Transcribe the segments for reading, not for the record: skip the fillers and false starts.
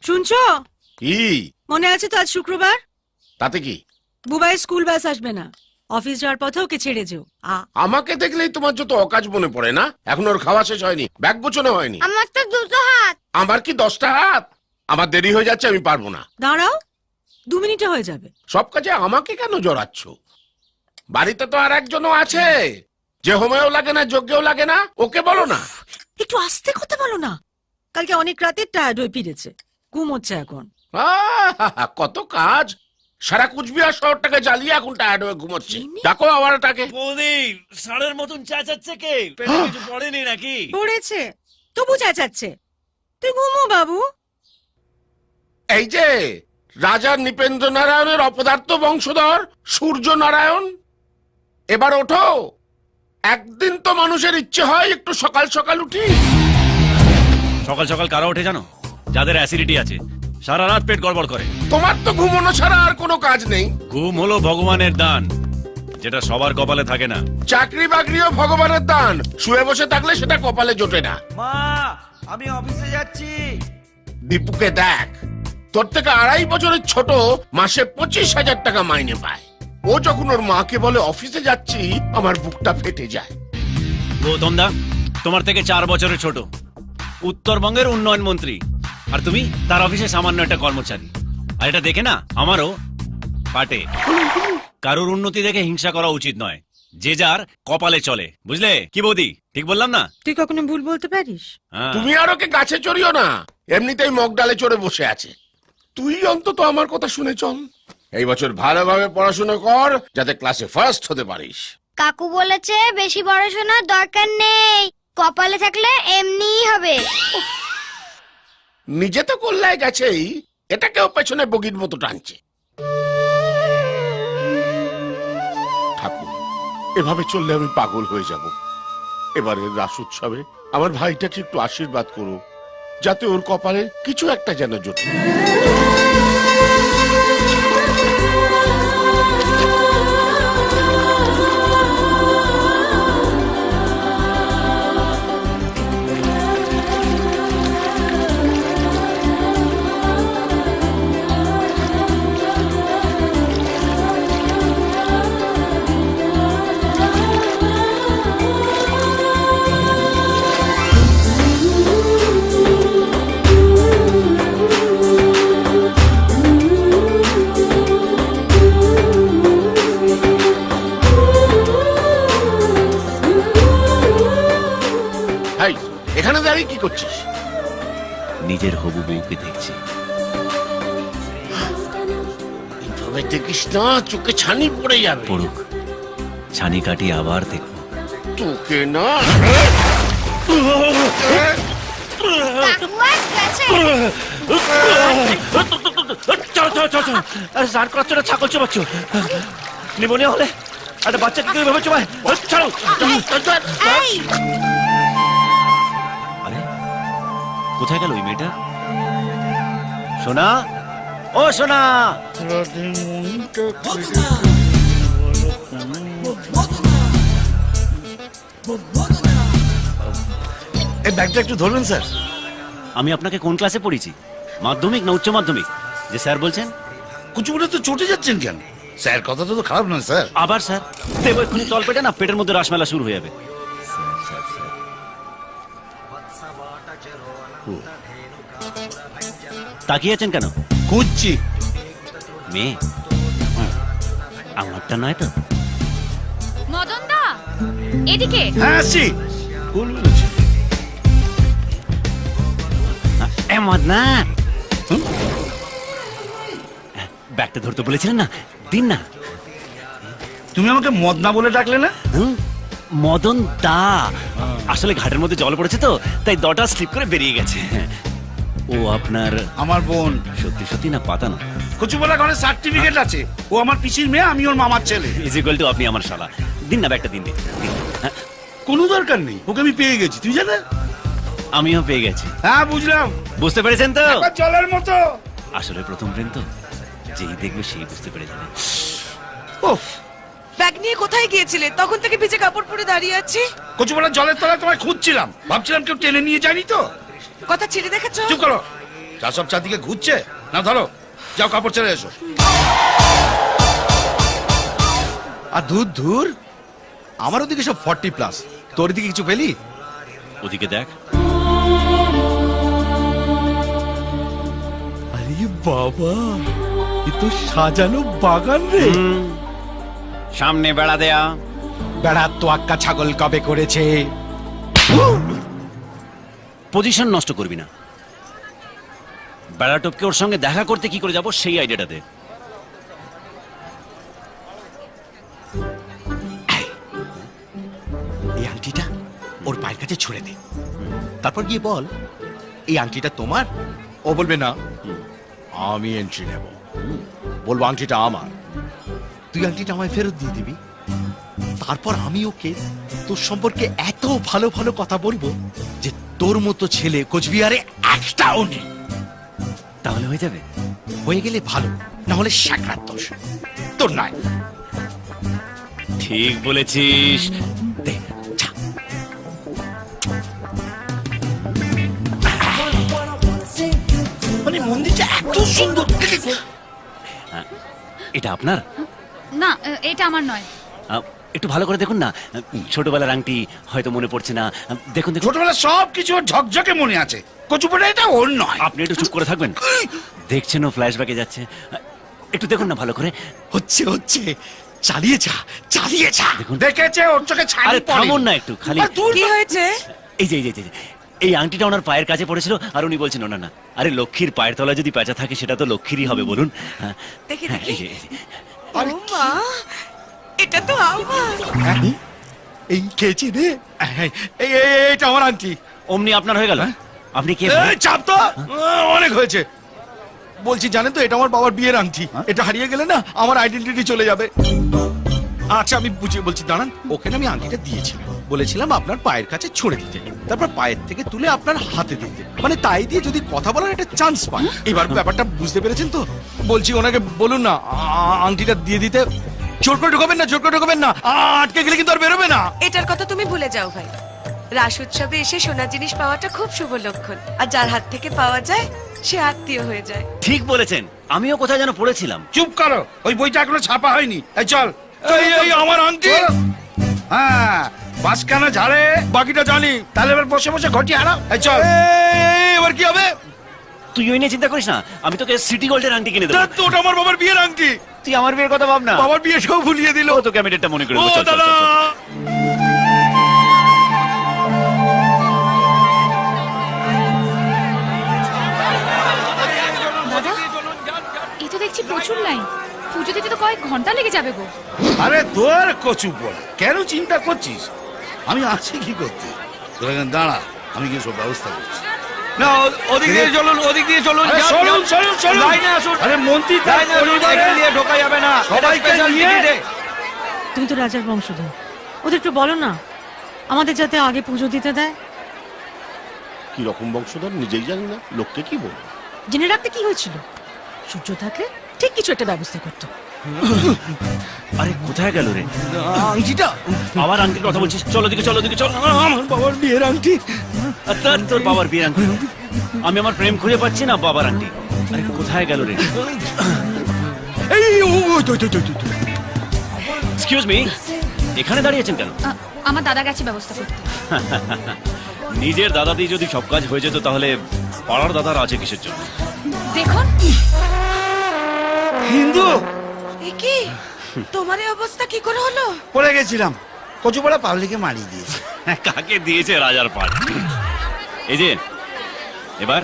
শুনছো? কি মনে আছে তো আজ শুক্রবার? তাতে কি? বুবাই স্কুল বাস আসবে না, অফিস যাওয়ার পথে ওকে ছেড়ে যেও। আমাকে দেখলেই তোমার যত অকাজ মনে পড়ে না? এখন ওর খাওয়া শেষ হয়নি, ব্যাগ গোছানো হয়নি। আমার তো দুটো হাত। আমার কি 10টা হাত? আমার দেরি হয়ে যাচ্ছে, আমি পারবো না। দাঁড়াও, 2 মিনিটে হয়ে যাবে। সব কাজে আমাকে কেন জড়াচ্ছ? বাড়িতে তো আর একজনও আছে যে হোমেও লাগে না, যজ্ঞেও লাগে না। ওকে বলো না। একটু আস্তে কথা বলো না। কালকে অনেক রাতে টায়ার্ড হয়ে ফিরেছে, ঘুমোচ্ছে এখন। কত কাজ, সারা কুচবিহার শহরটাকে জ্বালিয়ে এখন টায়ার্ড হয়ে ঘুমোচ্ছে। ডাকো আবার তাকে। বৌদি ষাঁড়ের মতন চেঁচাচ্ছে কে? পেটে কিছু পড়েনি নাকি? পড়েছে, তবু চেঁচাচ্ছে। তুই ঘুমো বাবু। এই যে রাজা নৃপেন্দ্র নারায়ণের অপদার্থ বংশধর সূর্য নারায়ণ, এবার ওঠো। একদিন তো মানুষের ইচ্ছে হয় একটু সকাল সকাল উঠি। সকাল সকাল কারা ওঠে জানো? যাদের অ্যাসিডিটি আছে, সারা রাত পেট গড়বড় করে। তোমার তো ঘুমানো ছাড়া আর কোনো কাজ নেই। ঘুম হলো ভগবানের দান, যেটা সবার কপালে থাকে না। চাকরি বাকরিও ভগবানের দান, শুয়ে বসে থাকলে সেটা কপালে জোটে না। মা, আমি অফিসে যাচ্ছি। দীপুকে দেখ, তোর থেকে 2.5 বছরের ছোট, মাসে 25,000 টাকা মাইনে পায়। ও যখন ওর মাকে বলে অফিসে যাচ্ছি, আমার বুকটা ফেটে যায়। গৌতম দা তোমার থেকে 4 বছরের ছোট, উত্তরবঙ্গের উন্নয়ন মন্ত্রী, আর তুমি তার অফিসে সামান্য একটা কর্মচারী। আর এটা দেখে না আমারও পাটে। কারোর উন্নতি দেখে হিংসা করা উচিত নয়, যে যার কপালে চলে, বুঝলে কি বৌদি? ঠিক বললাম না? তুই কখনো ভুল বলতে পারিস? হ্যাঁ। তুমি আর ওকে গাছে চড়িও না, এমনিতেই মগ ডালে চড়ে বসে আছে। তুই অন্তত আমার কথা শুনে চল। এই বছর ভালোভাবে পড়াশোনা কর, যাতে ক্লাসে ফার্স্ট হতে পারিস। কাকু বলেছে বেশি পড়াশোনার দরকার নেই, কপালে থাকলে এমনিই হবে। নিজে তো কল্যায় গেছেই, এটাকেও পেছনে বগির মতো টানছে। ঠাকুর, এভাবে চললে আমি পাগল হয়ে যাব। এবারের রাস উৎসবে আমার ভাইটাকে একটু আশীর্বাদ করো, যাতে ওর কপালে কিছু একটা যেন জোটে। ভাই, এখানে দাঁড়িয়ে কি করছিস? নিজের হবু বউকে দেখছি। এইভাবে দেখিস না, চোখে ছানি পড়ে যাবে। পড়ুক, ছানি কাটিয়ে আবার দেখবো। তোকে না। কাকু আজ গেছে। স্নান করাচ্ছ না, ছাগল চোবাচ্ছ? নিমোনিয়া হলে একটা বাচ্চাকে কেউ ভাবে চোবায়? ছাড়ো। এই, আরে কোথায় গেল ওই মেয়েটা? সোনা, ও সোনা। এই ব্যাগটা একটু ধরবেন স্যার? আমি আপনাকে কোন ক্লাসে পড়েছি, মাধ্যমিক না উচ্চ মাধ্যমিক, যে স্যার বলছেন? কুচুকুচে তো চটে যাচ্ছেন কেন? স্যার কথাটা তো খারাপ নয় স্যার। আবার স্যার দেবো এক্ষুনি তল পেটে, না পেটের মধ্যে রাসমেলা শুরু হয়ে যাবে। তাকিয়ে আছেন কেন? খুঁজছি। মেয়ে আমারটা নয় তো? মদন দা এদিকে। হ্যাঁ আসছি। ভুল বলেছি। মদনা, ব্যাগটা ধরতে বলেছিলেন না, দিন না। তুমি আমাকে মদনা বলে ডাকলে না? মদন দা, আসলে ঘাটের মধ্যে জল পড়েছে তো, তাই দটা স্লিপ করে বেরিয়ে গেছে। ও আপনার? আমার বোন। সত্যি সত্যি না পাতানো? কচুবলা ঘরে সার্টিফিকেট আছে। ও আমার পিসির মেয়ে, আমি ওর মামার ছেলে। ইজ ইকুয়াল টু আপনি আমার শালা। দিন না ব্যাগটা, দিন দিন। কোনো দরকার নেই, ওকে আমি পেয়ে গেছি, তুই জানে? আমিও পেয়ে গেছি। হ্যাঁ বুঝলাম। বুঝতে পেরেছেন তো? জলের মতো। আসলে প্রথম প্রেম তো, যেই দেখবে সেই বুঝতে পেরে যাবে। উফ, ব্যাগ নিয়ে কোথায় গিয়েছিলে? তখন থেকে ভিজে কাপড় পরে দাঁড়িয়ে আছি। কচুবলা জলের তলায় তোমায় খুঁজছিলাম, ভাবছিলাম কেউ টেনে নিয়ে যায়নি তো। কথা ছেড়ে দেখেছো? চুপ করো। চা সব চারদিকে ঘুরছে না, ধরো যাও কাপড় ছেড়ে এসো। আর দূর আমার ওদিকে সব 40+, তোর দিকে কিছু পেলি? ওদিকে দেখ। আরে বাবা, এ তো সাজানো বাগান রে। সামনে বেড়া দেয়া। বেড়া তো আক্কা ছাগল কবে করেছে? পজিশন নষ্ট করবি না। বেড়া টপকে ওর সঙ্গে দেখা করতে কি করে যাব সেই আইডিয়াটা দে। এই আংটিটা ওর পায়ের কাছে ছুঁড়ে দে, তারপর গিয়ে বল এই আংটিটা তোমার। ও বলবে না, আমি এন্ট্রি নেব। বলবো আংটিটা আমার, তুই আংটিটা আমায় ফেরত দিয়ে দিবি। তারপর আমি ওকে তোর সম্পর্কে এত ভালো ভালো কথা বলবো যে তোর মতো ছেলে কোচবিহারে একটাও নেই। তাহলে হয়ে যাবে। হয়ে গেলে ভালো, না হলে সাকরাত দোষ তোর নাই। ঠিক বলেছিস। দে, যা। মানে মন্দিরটা এত সুন্দর। এটা আপনার? না, এটা আমার নয়। একটু ভালো করে দেখুন না, ছোটবেলার আংটি হয়তো মনে পড়ছে না। দেখুন দেখুন। ছোটবেলা সব কিছু ওর ঝকঝকে মনে আছে, কচুপটা এটা ওর নয়। আপনি একটু চুপ করে থাকবেন। দেখছেন ও ফ্ল্যাশব্যাকে যাচ্ছে, একটু দেখুন না ভালো করে। হচ্ছে হচ্ছে, চালিয়ে যা চালিয়ে যা। দেখেছে ওর চোখে ছানি আরে পড়ে। থামুন না একটু, খালি কি হয়েছে? এই যে এই আংটিটা ওনার পায়ের কাছে পড়েছিল আর উনি বলছেন না না, আরে লক্ষ্মীর পায়ের তলায় যদি পেঁচা থাকে সেটা তো লক্ষ্মীরই হবে বলুন। হ্যাঁ, দেখি, হ্যাঁ, দেখি। এই যে। ও মা, এটা তো আমার। এই খেয়েছি রে। এইটা আমার আংটি। অমনি আপনার হয়ে গেল। আপনি কে? এই, চাপ তো, অনেক হয়েছে। বলছি জানেন তো, এটা আমার বাবার বিয়ের আংটি। এটা হারিয়ে গেলে না আমার আইডেন্টিটি চলে যাবে। আচ্ছা আমি বুঝিয়ে বলছি, দাঁড়ান। ওখানে আমি আংটিটা দিয়েছিলাম, বলেছিলাম আপনার পায়ের কাছে ছুঁড়ে দিতে, তারপর পায়ের থেকে তুলে আপনার হাতে দিতে, মানে তাই দিয়ে যদি কথা বলার একটা চান্স পান। এবার ব্যাপারটা বুঝতে পেরেছেন তো? বলছি ওনাকে বলুন না আংটিটা দিয়ে দিতে। জোর করে ঢোকাবেন না, জোর করে ঢোকাবেন না, আটকে গেলে কিন্তু আর বেরোবে না। এটার কথা তুমি ভুলে যাও ভাই। রাস উৎসবে এসে সোনার জিনিস পাওয়াটা খুব শুভ লক্ষণ, আর যার হাত থেকে পাওয়া যায় সে আত্মীয় হয়ে যায়। ঠিক বলেছেন, আমিও কোথায় যেন পড়েছিলাম। চুপ করো, ওই বইটা এখনো ছাপা হয়নি। এই চল। এই আমার আংটি। হ্যাঁ, বাসখানা ঝাড়ে বাকিটা জানি। তাহলে এবার বসে বসে ঘটি হারাও। এই চল। এবার কি হবে? তুই ওই নিয়ে চিন্তা করিস না, আমি তোকে সিটি গোল্ডের আংটি কিনে দেবো। তো ওটা আমার বাবার বিয়ের আংটি। তুই আমার বিয়ের কথা ভাব না। বাবার বিয়ে সব ভুলিয়ে দিল। ও তোকে আমি ডেটটা মনে করে ও দেবো। চল, চল, দাদা, চল, চল। দাদা, এই তো দেখছি প্রচুর লাইন। পুজো দিতে তো কয়েক ঘন্টা লেগে যাবে গো। আরে তোর কচু পড়া, কেন চিন্তা করছিস? আমি আছি কি করতে? তোরা এখানে দাঁড়া, আমি গিয়ে সব ব্যবস্থা করছি। না ওদিক দিয়ে চলুন, ওদিক দিয়ে চলুন। আরে চলুন, চলুন, চলুন। লাইনে আসুন। আরে মন্ত্রী তার পরিবারে দিয়ে ঢোকা যাবে না, সবাইকে নিয়ে। তুমি তো রাজার বংশধর, ওদের একটু বলো না আমাদের যাতে আগে পুজো দিতে দেয়। কি রকম বংশধর নিজেই জানি না, লোককে কি বলবো? জেনে রাখতে কি হয়েছিল? সূর্য থাকলে ঠিক কিছু একটা ব্যবস্থা করতো। আরে কোথায় গেল রে? আংটিটা আবার আংটির কথা বলছিস? চলো দিকে, চলো দিকে, চল। আমার বাবার বিয়ের আংটি। তোর বাবার বিয়ের আংটি? আমি আমার প্রেম খুঁজে পাচ্ছি না, বাবার আংটি। আরে কোথায় গেল রে? এই এক্সকিউজ মি, এখানে দাঁড়িয়েছেন কেন? আমার দাদা গেছে ব্যবস্থা করতে। নিজের দাদা দিয়ে যদি সব কাজ হয়ে যেত তাহলে পাড়ার দাদার আছে কিসের জন্য? দেখুন, হিন্দু এ কি, তোমার এই অবস্থা কি করে হলো? পড়ে গেছিলাম, কচুপাড়া পাবলিকে মারিয়ে দিয়েছে। কাকে দিয়েছে? রাজার পাট। এই যে এবার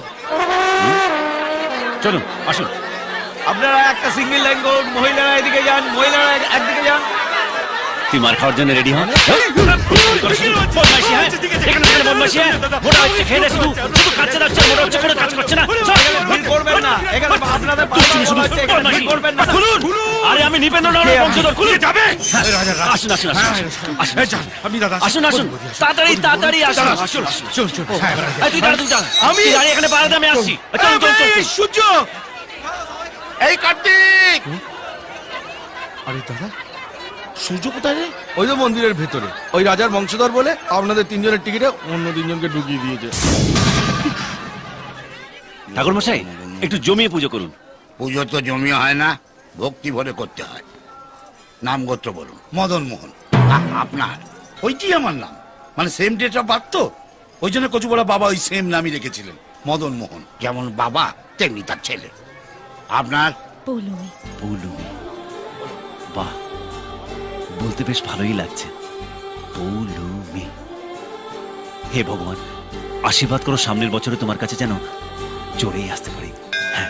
চলুন, আসুন। আপনারা একটা সিঙ্গেল লাইন করুন, মহিলারা এদিকে যান, মহিলারা একদিকে যান। তুই মার খাওয়ার জন্য রেডি হন। বদমাইশি, হ্যাঁ? এখানে এখানে বদমাইশি, হ্যাঁ? মোটা হচ্ছে, খেয়ে দে শুধু, শুধু খাচ্ছে যাচ্ছে, মোটা হচ্ছে, কোনো কাজ করছে না। চল। করবেন না, এখানে আপনাদের তুই শুধু শুধু বদমাইশি। করবেন না। খুলুন। আরে আমি নিপেন্দ্র নারায়ণ বংশধর, খুলুন। যাবে। আসুন, আসুন, আসুন, আসুন, আসুন। আপনি দাদা আসুন, আসুন, তাড়াতাড়ি তাড়াতাড়ি আসুন, আসুন। চল চল। এই তুই দাঁড়া, তুই দাঁড়া। তুই দাঁড়িয়ে এখানে পাড়াতে, আমি আসছি। চল, চল, চল, চল। সূর্য। এই কার্তিক! আরে দাদা, সূর্য কোথায় রে? ওই তো মন্দিরের ভেতরে। ওই রাজার বংশধর বলে আপনাদের তিনজনের টিকিটে অন্য তিনজনকে ঢুকিয়ে দিয়েছে। ঠাকুর মশাই একটু জমিয়ে পুজো করুন। পুজো তো জমিয়ে হয় না, ভক্তি ভরে করতে হয়। নাম গোত্র বলুন। মদন মোহন। আপনার? ওইটি আমার নাম, মানে সেম ডেট অফ বার্থ তো, ওই জন্য কচুবড়া বাবা ওই সেম নামই রেখেছিলেন, মদন মোহন। যেমন বাবা তেমনি তার ছেলে। আপনার? পৌলুমি। পৌলুমি, বাহ, বলতে বেশ ভালোই লাগছে। পৌলুমি। হে ভগবান, আশীর্বাদ করো সামনের বছরে তোমার কাছে যেন চড়েই আসতে পারি। হ্যাঁ।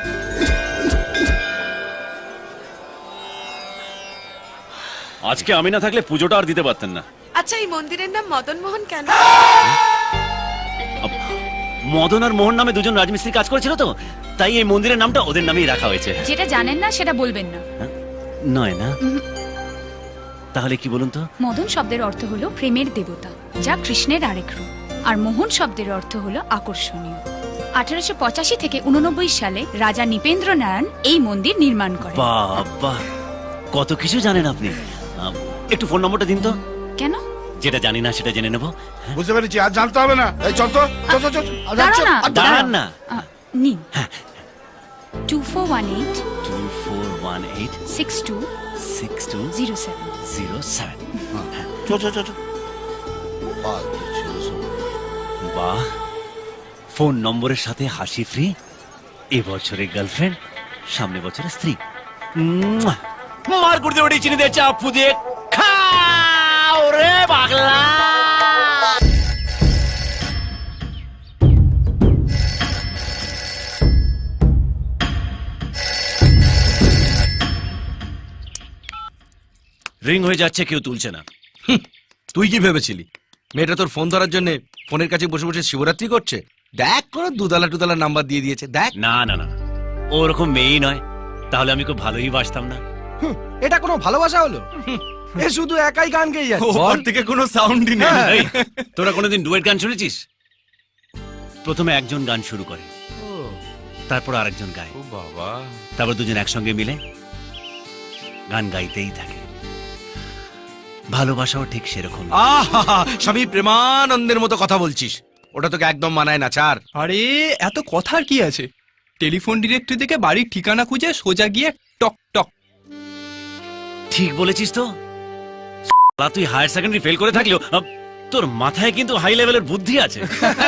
আজকে আমি না থাকলে পুজোটা আর দিতে পারতেন না। আচ্ছা, এই মন্দিরের নাম মদন মোহন কেন? মদন আর মোহন নামে দুজন রাজমিস্ত্রি কাজ করেছিল তো, তাই এই মন্দিরের নামটা ওদের নামেই রাখা হয়েছে। যেটা জানেন না সেটা বলবেন না। নয় না? তাহলে কি বলুন তো? মদন শব্দের অর্থ হলো প্রেমের দেবতা, যা কৃষ্ণের আরেক রূপ। আর মোহন শব্দের অর্থ হলো আকর্ষণীয়। 1885 থেকে 89 সালে রাজা নৃপেন্দ্র নারায়ণ এই মন্দির নির্মাণ করেন। বাবা, কত কিছু জানেন আপনি। একটু ফোন নম্বরটা দিন তো। কেন? যেটা জানি না সেটা জেনে নেবো। বুঝতে পেরেছি, আর জানতে হবে না। এই চল তো, চল চল চল। দাঁড়াও না, দাঁড়ান না। নিন। 2418 2418 62 6207 07। চল চল চল। বাহ, ফোন নম্বরের সাথে হাসি ফ্রি, এবছরে গার্লফ্রেন্ড, সামনে বছরে স্ত্রী। মার করতে ওটি চিনি দিয়ে চাপু দিয়ে খাও রে পাগলা। রিং হয়ে যাচ্ছে, কেউ তুলছে না। তুই কি ভেবেছিলি মেয়েটা তোর ফোন ধরার জন্য ফোনের কাছে বসে বসে শিবরাত্রি করছে? দেখ করে দুদালা টুদালা নাম্বার দিয়ে দিয়েছে, দেখ। না না না, ওরকম মেয়েই নয়, তাহলে আমি খুব ভালোই বাসতাম না। এটা কোনো ভালোবাসা হলো? এ শুধু একাই গান গেয়ে যাচ্ছে। ওর থেকে কোনো সাউন্ডই নেই। এই, তোরা কোনোদিন ডুয়েট গান শুনেছিস? প্রথমে একজন গান শুরু করে, তারপর আরেকজন গায়, ও বাবা, তারপর দুজন একসঙ্গে মিলে গান গাইতেই থাকে। ভালোবাসাও ঠিক সেরকম। আহা, স্বামী প্রেমানন্দের মতো কথা বলছিস, ওটা তোকে একদম মানায় না, ছাড়। আরে এত কথার কি আছে? টেলিফোন ডিরেক্টরি থেকে বাড়ির ঠিকানা খুঁজে সোজা গিয়ে টক টক। ঠিক বলেছিস তো। তুই হায়ার সেকেন্ডারি ফেল করে থাকলেও তোর মাথায় কিন্তু হাই লেভেলের বুদ্ধি আছে।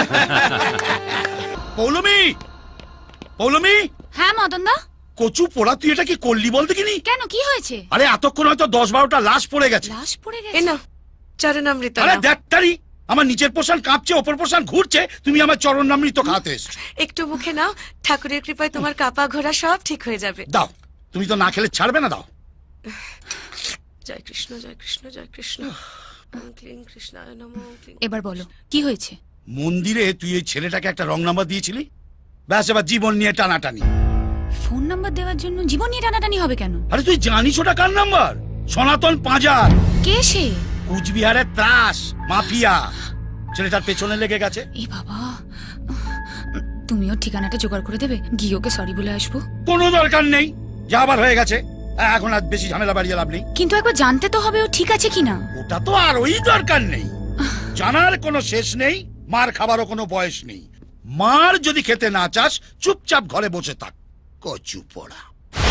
পৌলমি, পৌলমি। হ্যাঁ মদন দা। কচু পোড়া, তুই এটা কি করলি বল দেখিনি? কেন, কি হয়েছে? আরে এতক্ষণ হয়তো 10-12টা লাশ পড়ে গেছে। লাশ পড়ে এ গেছে? না, চরণামৃত আরে নাও। দেখ, আমার নিচের পোষণ কাঁপছে, অপর পোষণ ঘুরছে, তুমি আমার চরণামৃত খাতে এসছো। একটু মুখে নাও, ঠাকুরের কৃপায় তোমার কাপা ঘোরা সব ঠিক হয়ে যাবে। দাও, তুমি তো না খেলে ছাড়বে না, দাও। জয় কৃষ্ণ, জয় কৃষ্ণ, জয় কৃষ্ণ। ওম ক্লিং কৃষ্ণায় নমঃ, ওম ক্লিং। এবার বলো কি হয়েছে? মন্দিরে তুই এই ছেলেটাকে একটা রং নাম্বার দিয়েছিলি, ব্যাস এবার জীবন নিয়ে টানাটানি। ফোন নাম্বার দেওয়ার জন্য জীবন নিয়ে টানাটানি হবে কেন? আরে তুই জানিস ওটা কার নাম্বার? সনাতন পাঁজার, কে সে? কুচবিহারের ত্রাস মাফিয়া। ছেলেটার পেছনে লেগে গেছে। এই বাবা, তুমিও ঠিকানাটা জোগাড় করে দেবে, গিয়ে ওকে সরি বলে আসবো। কোনো দরকার নেই, যা আবার হয়ে গেছে, এখন আর বেশি ঝামেলা বাড়িয়ে লাভ নেই। কিন্তু একবার জানতে তো হবে ও ঠিক আছে কিনা। ওটা তো আর ওই দরকার নেই, জানার কোনো শেষ নেই, মার খাবারও কোনো বয়স নেই। মার যদি খেতে না চাস, চুপচাপ ঘরে বসে থাক, কচু পোড়া।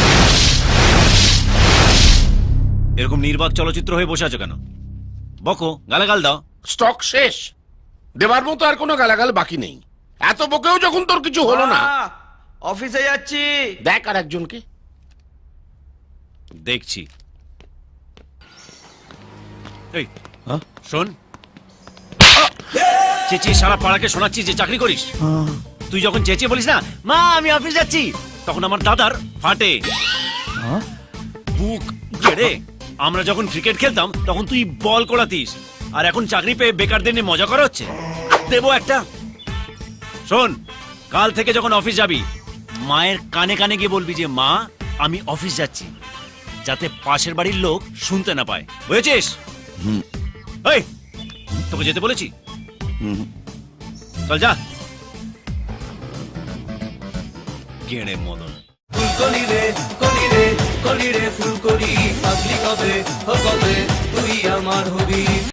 এরকম নির্বাক চলচ্চিত্র হয়ে বসে আছো কেন? বকো, গালাগাল দাও। স্টক শেষ, দেবার মতো আর কোনো গালাগাল বাকি নেই। এত বকেও যখন তোর কিছু হলো না, অফিসে যাচ্ছি। দেখ আর একজনকে। দেখছি। এই, শোন, চেঁচিয়ে সারা পাড়াকে শোনাচ্ছিস যে চাকরি করিস। তুই যখন চেঁচিয়ে বলিস না মা আমি অফিস যাচ্ছি, তখন আমার দাদার ফাটে বুক। রে, আমরা যখন ক্রিকেট খেলতাম তখন তুই বল করাতিস, আর এখন চাকরি পেয়ে বেকারদের নিয়ে মজা করা হচ্ছে। দেবো একটা। শোন, কাল থেকে যখন অফিস যাবি, মায়ের কানে কানে গিয়ে বলবি যে মা আমি অফিস যাচ্ছি, যাতে পাশের বাড়ির লোক শুনতে না পায়, বুঝেছিস? এই, তোকে যেতে বলেছি, চল যা। গেঁড়ে মদন। ফুলকলি রে কলি রে কলি রে ফুলকলি, পাগলি কবে ও কবে তুই আমার হবি।